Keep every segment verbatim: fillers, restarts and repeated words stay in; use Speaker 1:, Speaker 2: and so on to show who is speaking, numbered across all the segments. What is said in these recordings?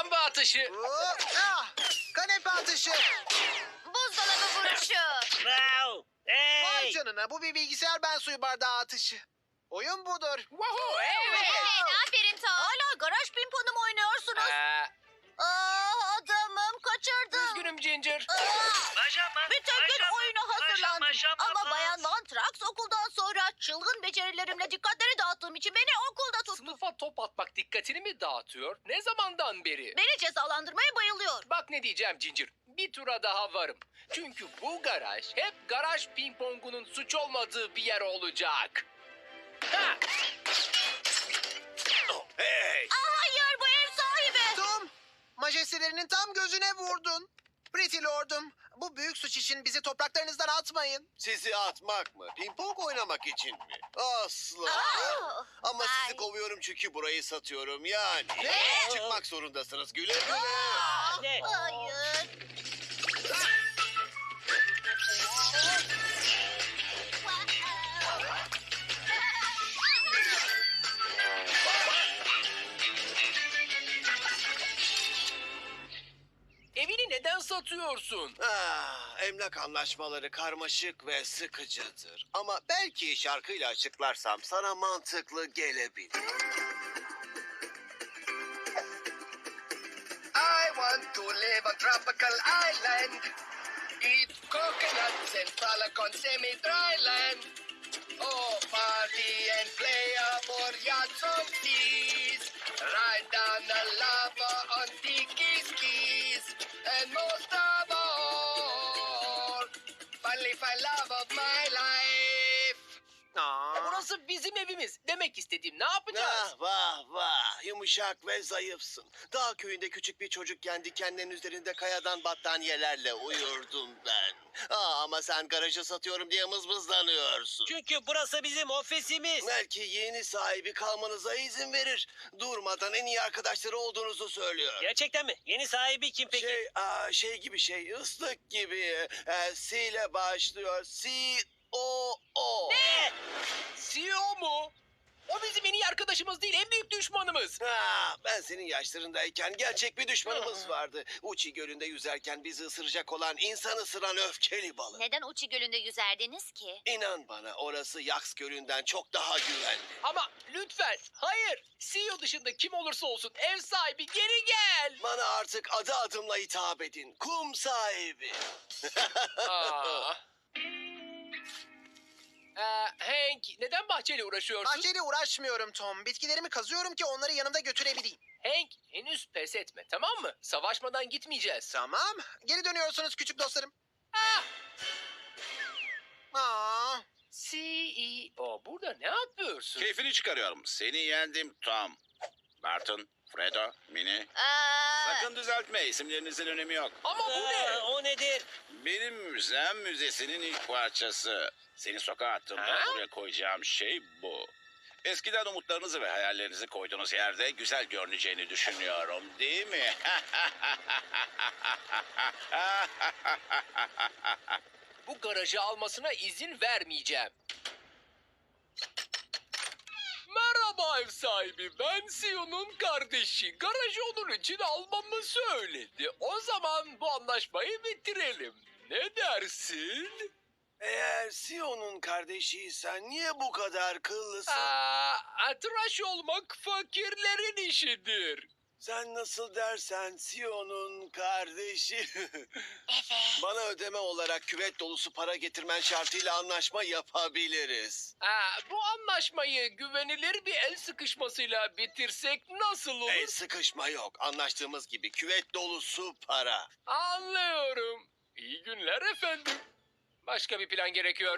Speaker 1: Lamba atışı.
Speaker 2: Oo, ah, kanepe atışı.
Speaker 3: Buzdolabı vuruşu.
Speaker 4: Wow!
Speaker 2: Vay
Speaker 4: Hey!
Speaker 2: canına, bu bir bilgisayar ben suyu bardağı atışı. Oyun budur.
Speaker 1: Woohoo, evet.
Speaker 3: Evet, aferin Tom. Hala garaj pimponu mu oynuyorsunuz?
Speaker 1: Ee,
Speaker 3: Aa, adamım kaçırdım.
Speaker 1: üzgünüm Ginger.
Speaker 3: Aa,
Speaker 4: Maşa mı?
Speaker 3: bütün gün
Speaker 4: Maşa mı?
Speaker 3: oyuna hazırlandım.
Speaker 4: Maşa, maşa,
Speaker 3: Ama
Speaker 4: maşa.
Speaker 3: Bayan Van Trax okuldan sonra çılgın becerilerimle dikkatleri dağıttığım için beni okulda tuttu.
Speaker 1: Sınıfa top atmak dikkatini mi dağıtıyor? Ne zamandan beri?
Speaker 3: Beni cezalandırmaya bayılıyor.
Speaker 1: Bak ne diyeceğim Ginger. Bir tura daha varım. Çünkü bu garaj hep garaj pingpongunun suç olmadığı bir yer olacak. Ha!
Speaker 5: Oh, hey!
Speaker 3: Aa, hayır, bu ev sahibi.
Speaker 2: Tom, majestelerinin tam gözüne vurdun. Pretty Lord'um, bu büyük suç için bizi topraklarınızdan atmayın.
Speaker 5: Sizi atmak mı? Pimpon oynamak için mi? Asla.
Speaker 3: Aa,
Speaker 5: Ama sizi
Speaker 3: ay.
Speaker 5: kovuyorum çünkü burayı satıyorum yani.
Speaker 3: Ne?
Speaker 5: Çıkmak zorundasınız. Güle güle.
Speaker 4: Ne?
Speaker 3: Hayır.
Speaker 1: Evini neden satıyorsun?
Speaker 5: Ah, emlak anlaşmaları karmaşık ve sıkıcıdır. Ama belki şarkıyla açıklarsam sana mantıklı gelebilir.
Speaker 6: I want to live on tropical island. Eat coconuts and frolic on semi-dry land. Oh, party and play aboard yachts on seas. Ride down the lava on tiki skis. And most of all, finally find love of my life.
Speaker 2: Aa,
Speaker 1: Burası bizim evimiz. Demek istediğim ne yapacağız?
Speaker 5: Ah vah vah, yumuşak ve zayıfsın. Dağ köyünde küçük bir çocukken dikenlerin üzerinde kayadan battaniyelerle uyurdum ben. Aa, ama sen garajı satıyorum diye mızmızlanıyorsun.
Speaker 4: Çünkü burası bizim ofisimiz.
Speaker 5: Belki yeni sahibi kalmanıza izin verir. Durmadan en iyi arkadaşları olduğunuzu söylüyor.
Speaker 4: Gerçekten mi? Yeni sahibi kim peki?
Speaker 5: Şey, aa, şey gibi şey, ıslık gibi. E, C ile başlıyor. C O O.
Speaker 4: Ne?
Speaker 1: C E O mu? O bizim en iyi arkadaşımız değil, en büyük düşmanımız.
Speaker 5: Ha, ben senin yaşlarındayken gerçek bir düşmanımız vardı. Uçi Gölü'nde yüzerken bizi ısıracak olan insan ısıran öfkeli balık.
Speaker 3: Neden Uçi Gölü'nde yüzerdiniz ki?
Speaker 5: İnan bana, orası Yaks Gölü'nden çok daha güvenli.
Speaker 1: Ama lütfen, hayır. C E O dışında kim olursa olsun ev sahibi geri gel.
Speaker 5: Bana artık adı adımla hitap edin. Kum sahibi.
Speaker 1: Aa. Ee, Hank, neden bahçeyle uğraşıyorsun?
Speaker 2: bahçeyle uğraşmıyorum Tom. Bitkilerimi kazıyorum ki onları yanımda götürebileyim.
Speaker 1: Hank, henüz pes etme, tamam mı? Savaşmadan gitmeyeceğiz.
Speaker 2: Tamam, geri dönüyorsunuz küçük dostlarım.
Speaker 1: Ah!
Speaker 2: Aa,
Speaker 1: C E O, burada ne yapıyorsun?
Speaker 7: Keyfini çıkarıyorum. Seni yendim Tom. Barton, Fredo, Mini.
Speaker 3: Aa,
Speaker 7: Sakın düzeltme. İsimlerinizin önemi yok.
Speaker 1: Ama bu ne?
Speaker 4: Aa, o nedir?
Speaker 7: Benim müzem müzesinin ilk parçası. Seni sokağa attığımda
Speaker 1: Ha?
Speaker 7: buraya koyacağım şey bu. Eskiden umutlarınızı ve hayallerinizi koyduğunuz yerde güzel görüneceğini düşünüyorum, değil mi?
Speaker 1: Bu garajı almasına izin vermeyeceğim. Merhaba ev sahibi, ben C E O'nun kardeşi. Garajı onun için almamı söyledi. O zaman bu anlaşmayı bitirelim. Ne dersin?
Speaker 5: Eğer Sion'un kardeşiysen niye bu kadar kıllısın?
Speaker 1: Aa, tıraş olmak fakirlerin işidir.
Speaker 5: Sen nasıl dersen Sion'un kardeşi.
Speaker 3: evet.
Speaker 5: Bana ödeme olarak küvet dolusu para getirmen şartıyla anlaşma yapabiliriz.
Speaker 1: Aa, bu anlaşmayı güvenilir bir el sıkışmasıyla bitirsek nasıl olur?
Speaker 5: El sıkışma yok. Anlaştığımız gibi küvet dolusu para.
Speaker 1: Anlıyorum. İyi günler efendim. Başka bir plan gerekiyor.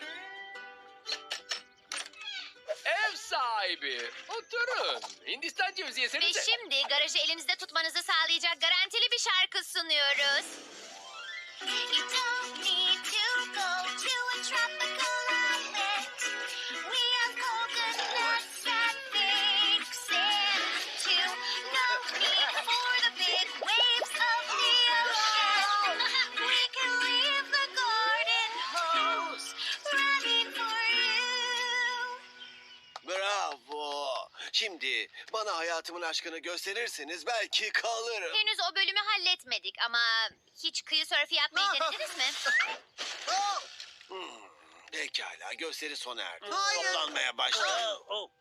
Speaker 1: Ev sahibi, oturun. Hindistan cevizi
Speaker 3: Ve
Speaker 1: yesenize.
Speaker 3: şimdi garajı elinizde tutmanızı sağlayacak garantili bir şarkı sunuyoruz. You don't need to go to a tropical island. We have coconuts that fix it too. No need for the big waves of the ocean. We can leave the garden hose running for you.
Speaker 5: Bravo. Şimdi bana Bana hayatımın aşkını gösterirseniz belki kalırım.
Speaker 3: Henüz o bölümü halletmedik ama hiç kıyı sörfü yapmayı denediniz mi?
Speaker 2: Oh,
Speaker 5: Hmm, pekala, gösteri sona erdi.
Speaker 2: Hayır.
Speaker 5: Toplanmaya başlayın.
Speaker 4: Oh, oh.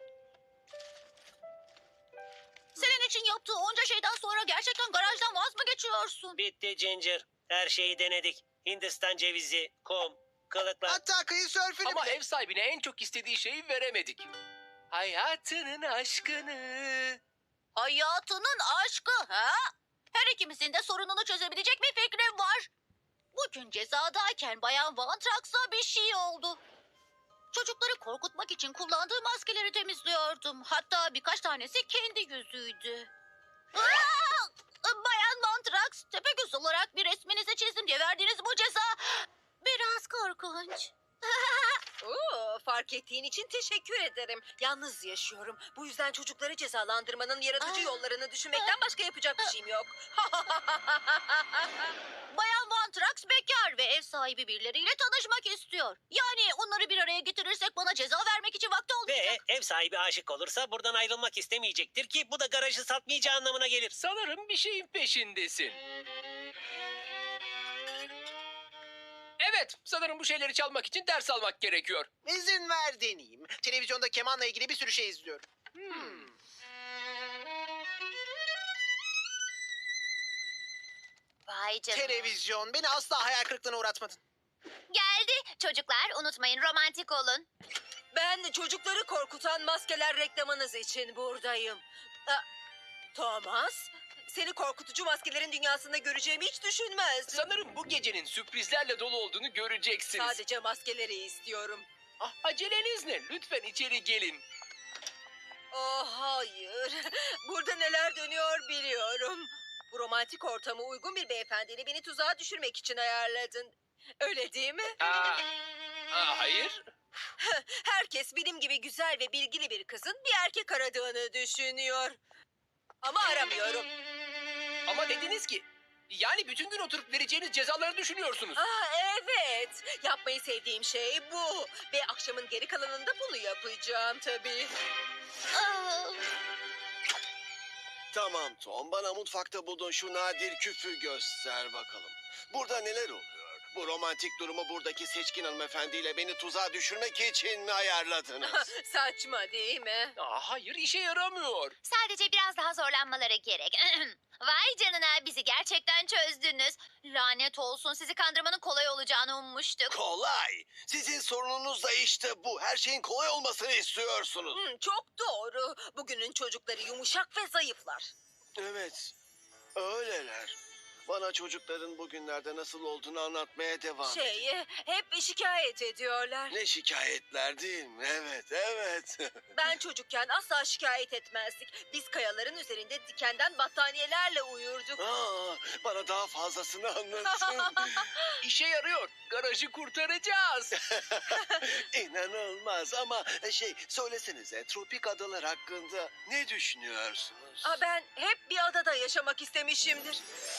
Speaker 3: Senin için yaptığı onca şeyden sonra gerçekten garajdan vaz mı geçiyorsun?
Speaker 4: Bitti Ginger. Her şeyi denedik. Hindistan cevizi, kum, kılıklar.
Speaker 2: hatta kıyı sörfünü
Speaker 1: Ama
Speaker 2: bile.
Speaker 1: ev sahibine en çok istediği şeyi veremedik. Hayatının aşkını.
Speaker 3: Hayatının aşkı ha? Her ikimizin de sorununu çözebilecek bir fikrim var. Bugün cezadayken Bayan Van Trax'a bir şey oldu. Çocukları korkutmak için kullandığı maskeleri temizliyordum. Hatta birkaç tanesi kendi yüzüydü. Aa! Bayan Van Trax, tepegöz olarak bir resminizi çizdim diye verdiğiniz bu ceza biraz korkunç.
Speaker 8: Oo, fark ettiğin için teşekkür ederim. Yalnız yaşıyorum. Bu yüzden çocukları cezalandırmanın yaratıcı
Speaker 3: Aa.
Speaker 8: yollarını düşünmekten başka yapacak bir şeyim yok.
Speaker 3: Bayan Van Trax bekar ve ev sahibi birileriyle tanışmak istiyor. Yani onları bir araya getirirsek bana ceza vermek için vakti olmayacak.
Speaker 4: Ve ev sahibi aşık olursa buradan ayrılmak istemeyecektir ki bu da garajı satmayacağı anlamına gelir.
Speaker 1: Sanırım bir şeyin peşindesin. Evet, sanırım bu şeyleri çalmak için ders almak gerekiyor.
Speaker 2: İzin ver deneyeyim. Televizyonda kemanla ilgili bir sürü şey izliyorum.
Speaker 3: Vay canına.
Speaker 2: Televizyon beni asla hayal kırıklığına uğratmadın.
Speaker 3: Geldi. Çocuklar unutmayın romantik olun.
Speaker 8: Ben çocukları korkutan maskeler reklamınız için buradayım. Aa, Thomas, seni korkutucu maskelerin dünyasında göreceğimi hiç düşünmezdim.
Speaker 1: Sanırım bu gecenin sürprizlerle dolu olduğunu göreceksiniz.
Speaker 8: Sadece maskeleri istiyorum.
Speaker 1: Ah, aceleniz ne? Lütfen içeri gelin.
Speaker 8: Oh hayır. Burada neler dönüyor biliyorum. Bu romantik ortama uygun bir beyefendiyle beni tuzağa düşürmek için ayarladın. Öyle değil mi?
Speaker 1: Aa, aa, hayır.
Speaker 8: Herkes benim gibi güzel ve bilgili bir kızın bir erkek aradığını düşünüyor. Ama aramıyorum.
Speaker 1: Ama dediniz ki, yani bütün gün oturup vereceğiniz cezaları düşünüyorsunuz.
Speaker 8: Ah evet. Yapmayı sevdiğim şey bu. Ve akşamın geri kalanında bunu yapacağım tabii.
Speaker 3: Aa,
Speaker 5: Tamam Tom, bana mutfakta bulduğun şu nadir küfü göster bakalım. Burada neler oluyor? Bu romantik durumu buradaki seçkin hanımefendiyle beni tuzağa düşürmek için mi ayarladınız?
Speaker 8: Saçma değil mi?
Speaker 1: Aa, hayır, işe yaramıyor.
Speaker 3: sadece biraz daha zorlanmaları gerek. Vay canına bizi gerçekten çözdünüz. Lanet olsun sizi kandırmanın kolay olacağını ummuştuk.
Speaker 5: Kolay. Sizin sorununuz da işte bu. Her şeyin kolay olmasını istiyorsunuz.
Speaker 8: Hmm, çok doğru. Bugünün çocukları yumuşak ve zayıflar.
Speaker 5: Evet, öyleler. Bana çocukların bugünlerde nasıl olduğunu anlatmaya devam edin.
Speaker 8: Şey, hep şikayet ediyorlar.
Speaker 5: Ne şikayetler değil mi? Evet, evet.
Speaker 8: Ben çocukken asla şikayet etmezdik. Biz kayaların üzerinde dikenden battaniyelerle uyurduk.
Speaker 5: Aa, bana daha fazlasını anlatın.
Speaker 1: İşe yarıyor. Garajı kurtaracağız.
Speaker 5: İnanılmaz ama şey söylesenize tropik adalar hakkında ne düşünüyorsunuz?
Speaker 8: Aa, ben hep bir adada yaşamak istemişimdir.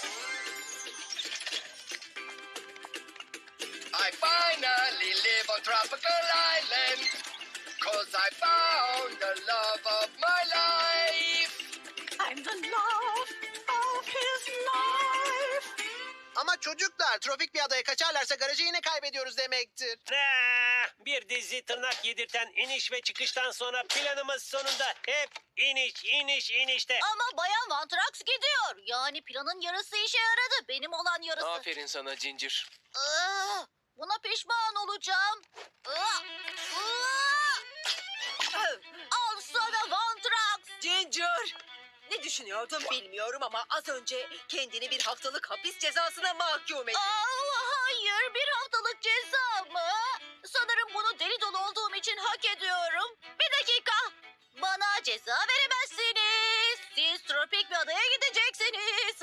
Speaker 6: I finally live on tropical island. Cause I found the love of my life.
Speaker 8: I'm the love of his life.
Speaker 2: Ama çocuklar tropik bir adaya kaçarlarsa garajı yine kaybediyoruz demektir.
Speaker 4: Ah, bir dizi tırnak yedirten iniş ve çıkıştan sonra planımız sonunda hep iniş, iniş, inişte.
Speaker 3: Ama Bayan Van Trax gidiyor. Yani planın yarısı işe yaradı. Benim olan yarısı.
Speaker 1: Aferin sana Ginger.
Speaker 3: Aa, buna pişman olacağım. Aa, aa. Al sana Van Trax.
Speaker 8: Ginger. Ne düşünüyordun bilmiyorum ama az önce kendini bir haftalık hapis cezasına mahkum ettin.
Speaker 3: Aa, hayır bir haftalık ceza mı? Sanırım bunu deli dolu olduğum için hak ediyorum. Bir dakika. Bana ceza veremezsiniz. Siz tropik bir adaya gideceksiniz.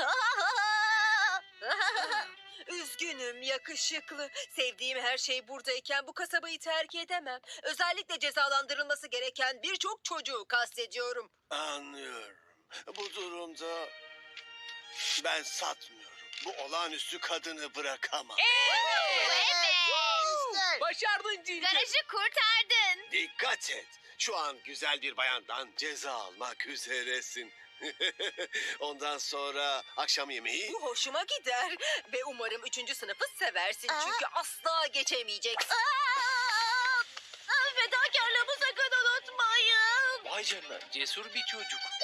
Speaker 8: Üzgünüm yakışıklı. Sevdiğim her şey buradayken bu kasabayı terk edemem. Özellikle cezalandırılması gereken birçok çocuğu kastediyorum.
Speaker 5: Anlıyorum. Bu durumda ben satmıyorum. Bu olağanüstü kadını bırakamam.
Speaker 3: Evet.
Speaker 2: İşte.
Speaker 1: Başardın Ginger.
Speaker 3: Garajı kurtardın.
Speaker 5: Dikkat et. Şu an güzel bir bayandan ceza almak üzeresin. Ondan sonra akşam yemeği...
Speaker 8: Bu hoşuma gider. Ve umarım üçüncü sınıfı seversin.
Speaker 3: Aa.
Speaker 8: Çünkü asla geçemeyeceksin.
Speaker 3: Aa! Fedakarlığımı sakın unutmayın.
Speaker 1: Vay canına cesur bir çocuk.